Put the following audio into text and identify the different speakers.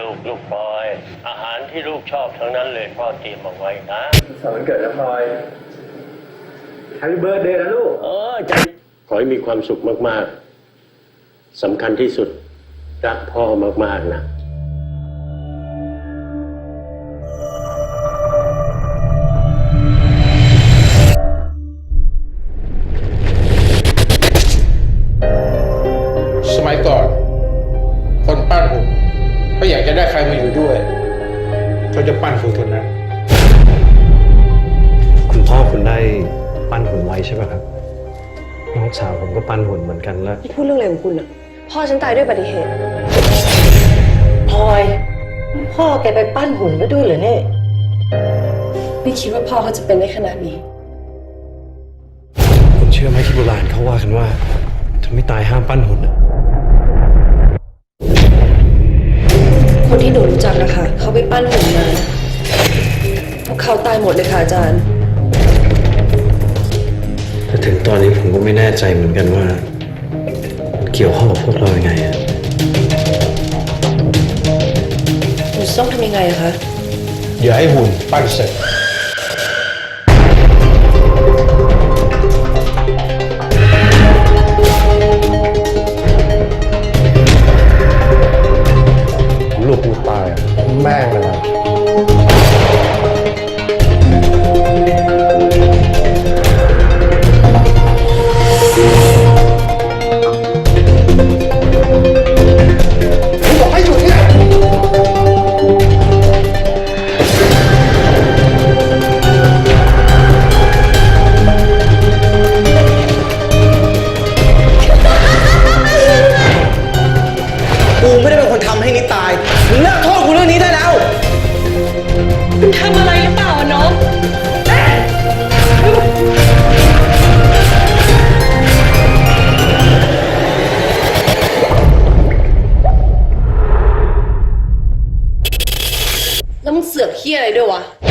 Speaker 1: ลูกพลอยอาหารที่ลูกชอบทั้งนั้นเลยพ่อเตรียมเอาไว้นะ
Speaker 2: สอนวันเกิดนะพลอยแฮปปี้เบิร์ธเดย์นะลูก
Speaker 1: ใจขอให้มีความสุขมากๆสำคัญที่สุดรักพ่อมากๆนะ
Speaker 3: สมัยก่อนคนปั้นหุ่นก็อยากจะได้ใครมาอยู่ด้วยเขาจะปั้นหุ่นคนนั้น
Speaker 4: คุณพ่อคุณได้ปั้นหุ่นไว้ใช่ไหมครับน้องสาวผมก็ปั้นหุ่นเหมือนกันแล้ว
Speaker 5: พูดเรื่องอะไรของคุณอ่ะพ่อฉันตายด้วยอุบัติเหตุ
Speaker 6: พลอยพ่อแกไปปั้นหุ่นไว้ด้วยเหรอเนี่ย
Speaker 5: ไม่คิดว่าพ่อเขาจะเป็นได้ขนาดนี้
Speaker 4: คุณเชื่อไหมที่โบราณเขาว่ากันว่าถ้าไม่ตายห้ามปั้นหุ่นอะ
Speaker 5: คนที่หนูรู้จักนะคะเขาไปปั้นหุ่นมาพวกเขาตายหมดเลยค่ะอาจารย์
Speaker 4: แต่ถึงตอนนี้ผมก็ไม่แน่ใจเหมือนกันว่าเกี่ยวข้องกับพวกเรายังไงอะ
Speaker 5: หนูต้องทำยังไงอะคะ
Speaker 3: เดี๋ยวให้หุ่นปั้นเสร็จ
Speaker 4: ลูกกูตายแม่งเลยนะ
Speaker 3: บอกให้หยุดเนี่ย
Speaker 7: กูไม่ได้เป็นคนทำให้นิดตายมึงเลิกโทษกูเรื่องนี้ได้แล้ว
Speaker 5: คุณทำอะไรหรือเปล่าน้องแล้วมึงเสือกเหี้ยอะไรด้วยวะ